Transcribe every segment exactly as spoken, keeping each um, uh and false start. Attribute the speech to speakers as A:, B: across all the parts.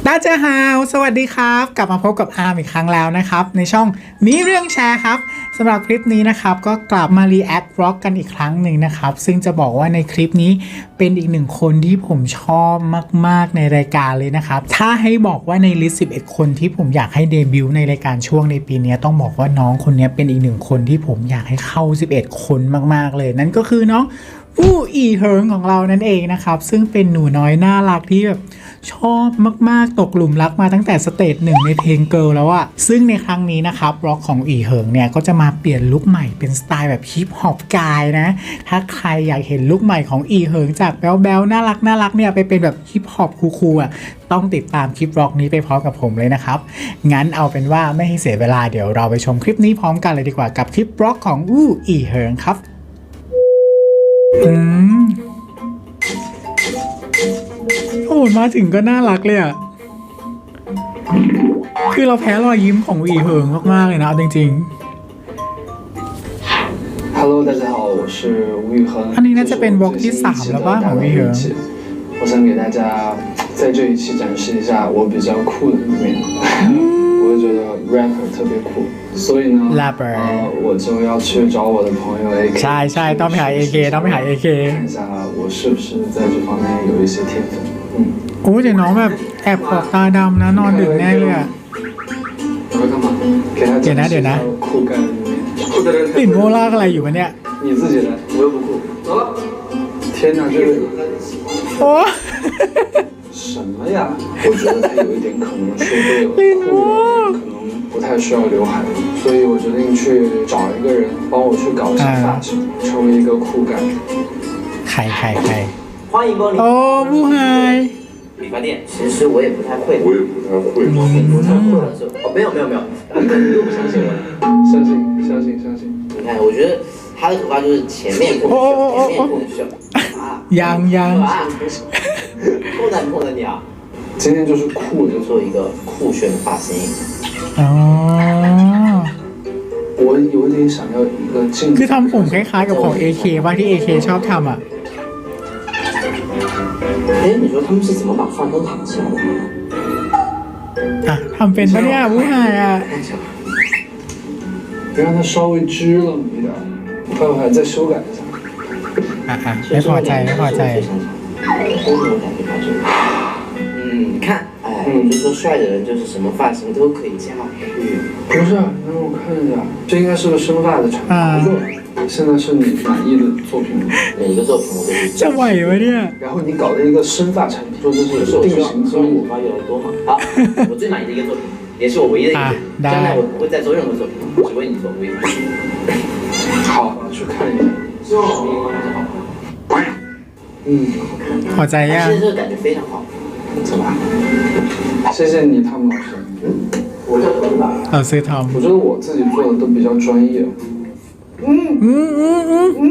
A: 大家好สวัสดีครับกลับมาพบกับอาร์มอีกครั้งแล้วนะครับในช่องมีเรื่องแชร์ครับสำหรับคลิปนี้นะครับก็กลับมารีแอคร็อกกันอีกครั้งหนึ่งนะครับซึ่งจะบอกว่าในคลิปนี้เป็นอีกหนึ่งคนที่ผมชอบมากๆในรายการเลยนะครับถ้าให้บอกว่าในลิสต์สิบเอ็ดคนที่ผมอยากให้เดบิวต์ในรายการช่วงในปีนี้ต้องบอกว่าน้องคนนี้เป็นอีกหนึ่งคนที่ผมอยากให้เข้าสิบเอ็ดคนมากๆเลยนั่นก็คือน้องผู้อีเฮิงของเรานั่นเองนะครับซึ่งเป็นหนูน้อยน่ารักที่แบบชอบมากๆตกหลุมรักมาตั้งแต่สเตจหนึ่งในเพลงเกิร์ลแล้วอะซึ่งในครั้งนี้นะครับร็อกของอีเฮิงเนี่ยก็จะมาเปลี่ยนลุคใหม่เป็นสไตล์แบบฮิปฮอปกายนะถ้าใครอยากเห็นลุคใหม่ของอีเฮิงจากแบ๊วๆน่ารักน่ารักเนี่ยไปเป็นแบบฮิปฮอปคูลๆอะต้องติดตามคลิปร็อกนี้ไปพร้อมกับผมเลยนะครับงั้นเอาเป็นว่าไม่ให้เสียเวลาเดี๋ยวเราไปชมคลิปนี้พร้อมกันเลยดีกว่ากับคลิปร็อกของอู้อีเฮิงครับอืมโอ้มาถึงก็น่ารักเลยอ่ะคือเราแพ้รอยยิ้มของอีเฮิงมากๆเลยนะจริง
B: ๆ Hello 大家好我是吴宇恒
A: อันนี้น่าจะเป็นวอล์กที่สามแล้วป่ะของอีเฮิง
B: 我想给大家在这一期展示一下我比较酷的一面我会觉得 rapper 特别酷所以呢
A: rapper
B: 呃我就要去找我的朋友 A K
A: ใช่ใช่ต้องไปหา เอ เค ต้องไปหา เอ เค
B: 看一下我是不是在这方面有一些天分嗯
A: โอ้แต่น้องแบบแอบขอบตาดำนะนอนดึกแน่เลยอ่ะ
B: 我会干嘛给他
A: เดี๋ยวนะเดี๋ยวนะ
B: 酷干的一面酷的人
A: ปิ่นโมลากอะไรอยู่วะเนี่ย
B: 你自己来我又不酷走了天哪这个
A: โอ้
B: 什么呀？我觉得他有一点可能是为了酷一点，可能不太需要刘海，所以我决定去找一个人帮我去搞一下发型，成为一个酷感。
A: ใครใครใคร
C: 欢迎光临。
A: โอ้ผู้ไฮ
C: 理发店，其实我也不太会。
D: 我也不太会。
C: 不太会的时候，哦，没有没有没有，你都不相信我？
B: 相信相信相信。
C: 你看，我觉得他的头发就是前面过得秀，前面过得秀。啊，
A: ยังยัง
C: 碰到碰到你啊！
B: 今天就是酷，
C: 就做一个酷炫的发型。
A: อ๋อ
B: 我有点想要一个镜子。
A: คือทำผมคล้ายๆกับของ เอ เค ว่าที่ เอ เค ชอบทำอ่ะ
C: 哎，你说他们是怎么把发根弹起来的？
A: อ่ะทำเป็นปะเนี่ยผู้ชายอ่ะ
B: 别让它稍微支棱一点，待会还再修改一下。
A: อ่ะอ่ะไม่พอใจไม่พอใจ
C: 都没有感觉到这个。嗯，你看，哎，就说帅的人就是什么发型都可以加去。
B: 不是，让我看一下，这应该是个生发的产品。现在是你满意的作品吗？
C: 每一个作品我都是。
A: จะไหววะเนี่ย
B: 然后你搞了一个生发产品，说这是定型
C: 所以我发越来越多嘛。好，我最满意的一个作品，也是我唯一的一个作品。将来我不会再做任何作品，只为你做，为你做。
B: 好，我去看一下。
C: 希望我们以后还是好朋友。
B: 嗯，
A: พอใจยัง
C: 其实这个感觉非常好，走吧。
B: 谢谢你，汤姆老师。
C: 我叫屯吧。
A: เราซื้อทอม
B: 我觉得我自己做的都比较专业。嗯
A: 嗯嗯嗯嗯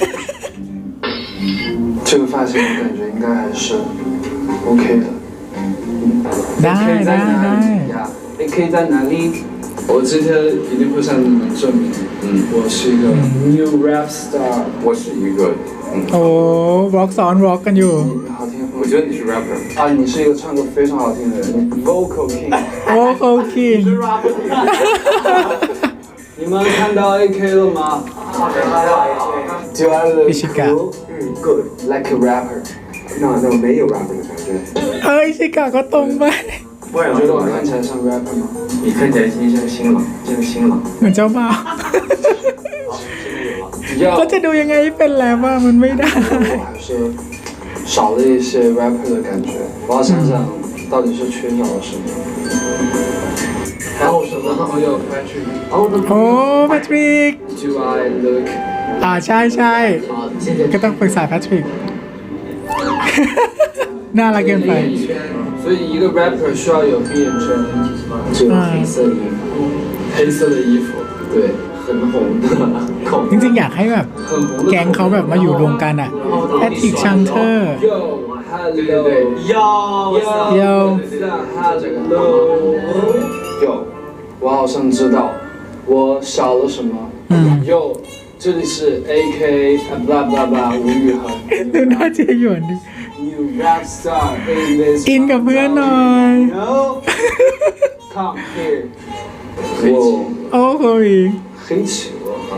B: 这个发型我感觉应该还是 OK 的。
A: ได้ได้ได้
B: A K 在哪里？我今天一定会向你们证明，嗯，我是一个 new rap star。
D: 我是一个，嗯，
A: โอ้วอล์กซ้อนวอล์กกันอยู่
B: 好听。
D: 我觉得你是 rapper。
B: 啊，你是一个唱歌非常好听的人，vocal king。
A: โอ้โอเค
B: 你们看到 A K 了吗？Do I look cool? Good, like a rapper.
D: No no 没有 rapper 的感觉。
A: เฮ้ยชิกาก็ตรงไป
B: 你觉得我看起来像 rapper 吗？
D: 你看起来像新郎，像新郎。
A: เหมือนเจ้าบ่าวเขาจะดูยังไงเป็นแล้วว่ามันไม่ได้
B: 我还是少了一些 rapper 的感觉。我要想想到底是缺少了什么。还有什么朋友 Patrick？
A: โอ้แพทริก
B: Do I look？
A: อ่าใช่ใช่ก็ต้องปรึกษาแพทริกน่ารักเกินไป
B: 所以一个 rapper 需要有闭眼圈，只有黑色的衣服，黑色的衣服，对，很红的口。
A: จริงๆอยากให้แบบแก๊งเขาแบบมาอยู่รวมกันอ่ะแพทริกชังเทอร์
B: Yo， hello，
C: Yo
A: Yo
B: hello， Yo， 我好像知道我少了什么。
A: 嗯
B: Yo， 这里是 A K blah blah blah 吴宇恒。
A: ดูหน้าเจหยวนดิ
B: New rap star in this
A: อินกับเพื่อนหน่อย
B: No Come here 我
A: โอ้โห
B: 黑企鹅啊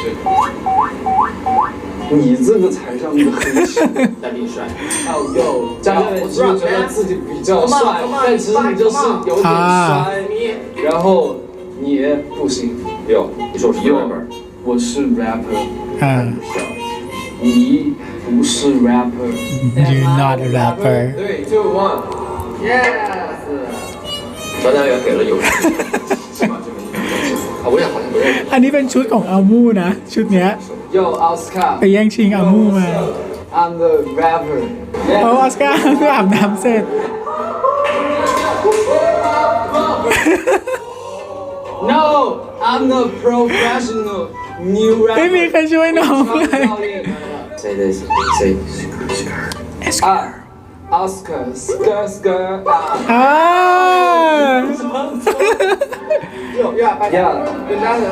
B: 你这个才像一个黑企鹅
C: 大力帅。
B: 哦哟，家人们是不是觉得自己比较帅，但其实你就是有点衰，然后你不行。有，
D: 你说我是 rapper，
B: 我是 rapper，
A: อ่า
B: 你不是 rapper。
A: You're not a rapper
B: Three, two, one。
C: Yes。
D: 张家元给了有起码这么一个啊，我也好像不认识。
A: อันนี้เป็นชุดของอามูนะ ชุดเนี้ย
B: Yo Oscar，
A: ไปแย่งชิงอามูมา
B: I'm the rapper。
A: โอ้ออสการ์เพิ่งอาบน้ำเสร็จ
B: No, I'm the professional new
A: ไม่มี
B: rapper。
A: ใครช่วยน้องเลย
C: 谁的谁？
B: 啊，Oscar skr skr 啊。
A: อ่า
C: 哟呀，大家跟家人。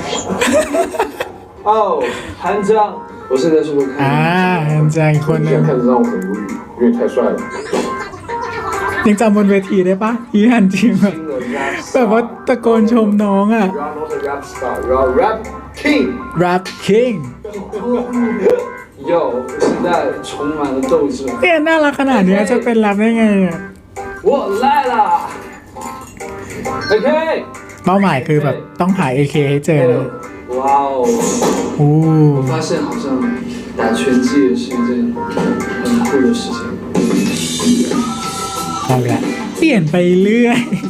B: 哦，韩江，我现在是不是
A: อ่า
B: 看？
A: เห็นใจอีกคนหนึง
D: 看着让我很无语，因为太帅了。
A: ยังจำบนเวทีได้ปะที่ฮันจิแบบ
B: 新的 rap
A: แบบว่า
B: star。
A: ตะโกนชมน้องอ่ะ
B: You are not a rap star, you are rap king。
A: Rap King
B: Yo，我现在充满了斗志。
A: เนี่ยน่ารักขนาดเนี้ยจะเป็นรับได้ไงอ่ะ
B: 我来了。OK。
A: เป้าหมายคือแบบต้องหา เอ เค ให้เจอเลย
B: 哇哦！
A: โอ้
B: 我发现好像打拳击也是一件很酷的事情。
A: เอาละเปลี่ยนไปเรื่อย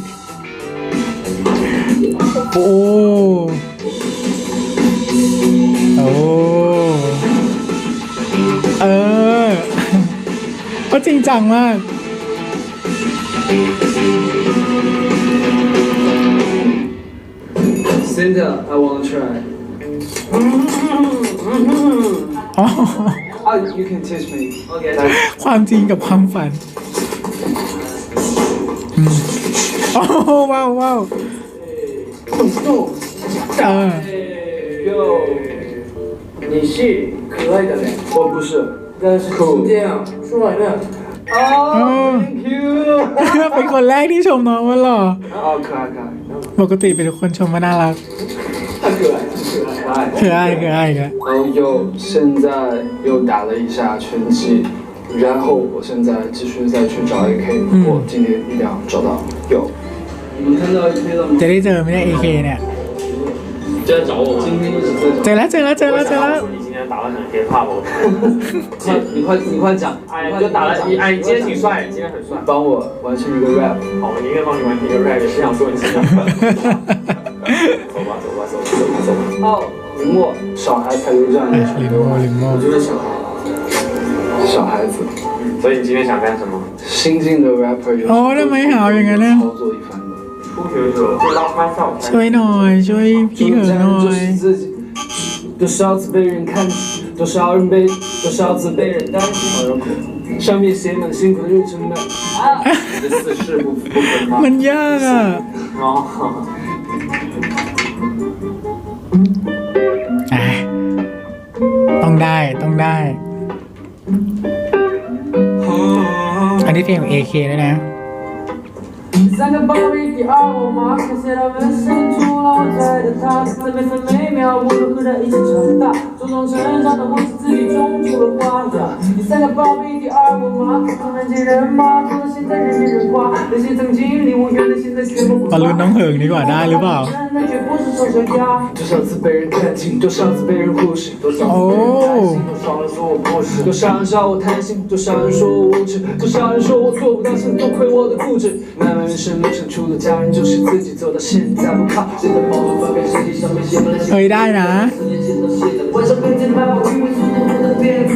A: โอ้โอ้เออก็จริงจังมาก
B: Cynthia, I wanna try.
A: อ๋อ
B: Oh, you can teach me. Okay.
A: ความจริงกับความฝันอืมโอ้ว้าวว้าวเออ
B: Yo，
C: 你是可爱的人，
B: 我不是。
C: 但是今天啊，说完了。
B: Oh, thank you.
A: เป็นคนแรกที่ชมน้องว่าหล่อ
B: 哦，可爱可爱。
A: ปกติเป็นคนชมว่าน่ารัก
B: 太可爱，可爱。
A: คืออ้ายคืออ้ายกัน
B: 然后又现在又打了一下拳击，然后我现在继续再去找 A K，、
A: 嗯
B: 我今天一定要找到。有，你们看到 A K 了吗？
A: จะได้เจอไหมเนี่ย เอ เค เนี่ย
E: 就在找我吗？
B: 今天一直在
A: เจ
B: 找。
A: อแล้วเจอแล้วเจอแล้วเจอแล้ว
E: 你今天打得很 hiphop，我
B: 快，你快你快讲，
E: 哎，就打了一，哎，你今天挺帅，你今天很帅。
B: 帮我完成一个 rap。
E: 好，我宁愿帮你完成一个 rap，也不想说你今天很帅。走吧，走吧，走吧，走吧，走吧。
B: 哦，林默，小孩才有这样的
A: ลิมโมลิมโม
B: 我就是小孩，小孩子，
E: 所以你今天想干什么？
B: 新进的 rapper 有
A: โอ้ทำไมหาวอย่างนั้นนะ
B: 操作一番的。
E: 初学者就 lost myself。
A: ช่วยหน่อยช่วยพี่เหินหน่อย
B: 自己，多少次被人看起，多少人被，多少次被人担心。上面写满辛苦的日程们啊，
E: 你的四式不不分吗？
A: มันยากอ่ะ
E: 哦。
A: อ่ะต้องได้ต้องได้ อันนี้เพลงของ เอ เค ด้วยนะ
F: 三个宝贝，第二我马上写到纹身，除了我在的他，在每分每秒我都和他一起长大，茁壮成长的我是自己种出了花呀。第三个宝贝，第二我马上人见人骂，做到现在人见人夸，那些曾经离我远的现在却不
A: มาลุ้นน้องเหิงดีกว่าได้หรือเปล่า
F: 那绝不是丑小鸭。
B: 多少次被人看清，多少次被人忽视，多少次被人担心，多少人说我不是，多少人笑我贪心，多少人说我无知，多少人说我做不到，现在多亏我的固执。漫漫人生路上，除了家人，就是自己走到现在，不靠谁的包袱，发给身体上面写满了
A: เฮ้ยได้นะ
F: 四年前到现在，晚上跟着慢跑，因为速度不能变快。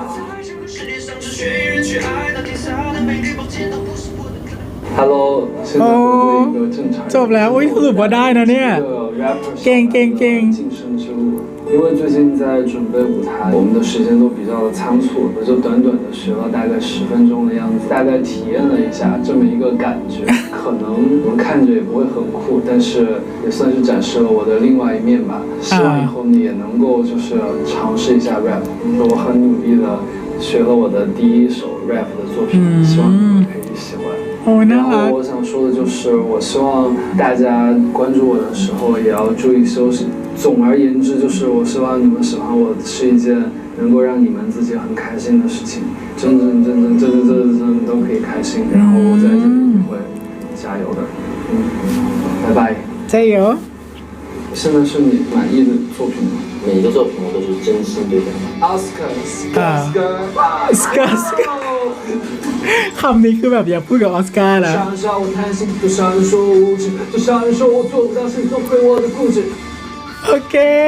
B: Hello，现在回归一个正常人。
A: จบแล้วอุ้ยสรุปว่าได้นะเนี่ย
B: 一个 rapper
A: เก่งเก่งเก่ง
B: 晋升之路。因为最近在准备舞台，我们的时间都比较的仓促，我就短短的学了大概十分钟的样子，大概体验了一下这么一个感觉。可能我们看着也不会很酷，但是也算是展示了我的另外一面吧。希望以后你也能够就是尝试一下 rap。我很努力的学了我的第一首 rap 的作品，希望你们可以喜欢。
A: โอ้น่า
B: 然
A: รั
B: 后
A: ก
B: 我想说的就是，我希望大家关注我的时候也要注意休息。总而言之，就是我希望你们喜欢我是一件能够让你们自己很开心的事情，真真正正、真真正正都可以开心。然后我在这里会加油的。嗯，拜拜。
A: 加油！
B: 现在是你满意的作品吗？
C: 每一个作品我都是真心对待。
B: 奥斯卡，
A: 啊
B: 斯卡，
A: สกาสกาคำนี้คือแบบอยากพูดกับออสการ์นะ
B: 想让我贪心，就像人说我无知，就像人说我做不到，心中会我的固执。
A: โอเค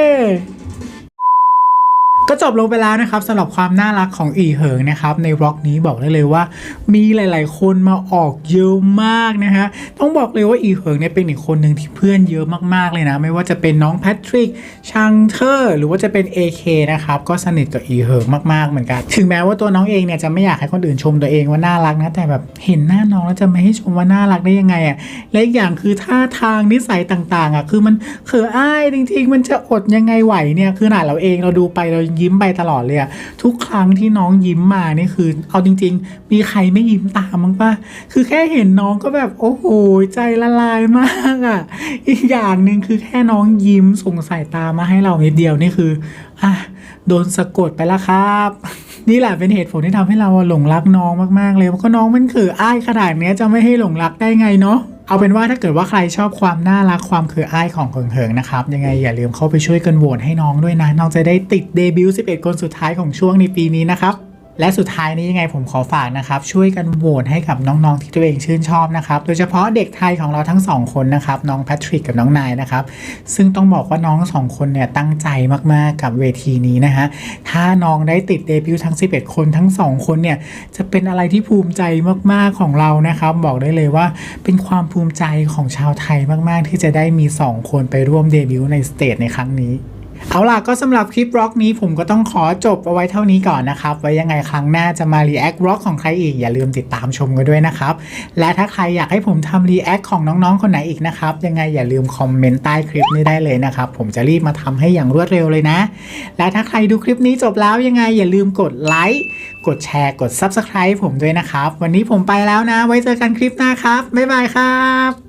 A: ก็จบลงไปแล้วนะครับสำหรับความน่ารักของอีเหิงนะครับในบล็อกนี้บอกได้เลยว่ามีหลายๆคนมาออกเยอะมากนะฮะต้องบอกเลยว่าอีเหิงเนี่ยเป็นอีกคนหนึ่งที่เพื่อนเยอะมากๆเลยนะไม่ว่าจะเป็นน้องแพทริกชังเทอร์หรือว่าจะเป็น เอ เค นะครับก็สนิทกับอีเหิงมากๆเหมือนกันถึงแม้ว่าตัวน้องเองเนี่ยจะไม่อยากให้คนอื่นชมตัวเองว่าน่ารักนะแต่แบบเห็นหน้าน้องแล้วจะไม่ให้ชมว่าน่ารักได้ยังไงอ่ะและอีกอย่างคือท่าทางนิสัยต่างๆอ่ะคือมันเขินอายจริงๆมันจะอดยังไงไหวเนี่ยคือขนาดเราเองเราดูไปเรายิ้มไปตลอดเลยทุกครั้งที่น้องยิ้มมานี่คือเอาจริงๆมีใครไม่ยิ้มตามมั้งป่ะคือแค่เห็นน้องก็แบบโอ้โหใจละลายมากอ่ะอีกอย่างหนึ่งคือแค่น้องยิ้มส่งสายตามาให้เรานิดเดียวนี่คืออ่ะโดนสะกดไปแล้วครับนี่แหละเป็นเหตุผลที่ทำให้เราหลงรักน้องมากๆเลยเพราะก็น้องมันเขินอ้ายขนาดนี้จะไม่ให้หลงรักได้ไงเนาะเอาเป็นว่าถ้าเกิดว่าใครชอบความน่ารักความเขินอ้ายของเหิงๆนะครับยังไงอย่าลืมเข้าไปช่วยกันโหวตให้น้องด้วยนะน้องจะได้ติดเดบิวต์สิบเอ็ดคนสุดท้ายของช่วงในปีนี้นะครับและสุดท้ายนี้ยังไงผมขอฝากนะครับช่วยกันโหวตให้กับน้องๆที่ตัวเองชื่นชอบนะครับโดยเฉพาะเด็กไทยของเราทั้งสองคนนะครับน้องแพทริกกับน้องนายนะครับซึ่งต้องบอกว่าน้องสองคนเนี่ยตั้งใจมากๆกับเวทีนี้นะฮะถ้าน้องได้ติดเดบิวต์ทั้งสิบเอ็ดคนทั้งสองคนเนี่ยจะเป็นอะไรที่ภูมิใจมากๆของเรานะครับบอกได้เลยว่าเป็นความภูมิใจของชาวไทยมากๆที่จะได้มีสองคนไปร่วมเดบิวต์ในสเตจในครั้งนี้เอาล่ะก็สำหรับคลิปร็อกนี้ผมก็ต้องขอจบเอาไว้เท่านี้ก่อนนะครับไว้ยังไงครั้งหน้าจะมารีแอคร็อกของใครอีกอย่าลืมติดตามชมกันด้วยนะครับและถ้าใครอยากให้ผมทำรีแอคของน้องๆคนไหนอีกนะครับยังไงอย่าลืมคอมเมนต์ใต้คลิปนี้ได้เลยนะครับผมจะรีบมาทำให้อย่างรวดเร็วเลยนะและถ้าใครดูคลิปนี้จบแล้วยังไงอย่าลืมกดไลค์กดแชร์กด ซับสไครบ์ ผมด้วยนะครับวันนี้ผมไปแล้วนะไว้เจอกันคลิปหน้าครับบ๊ายบายครับ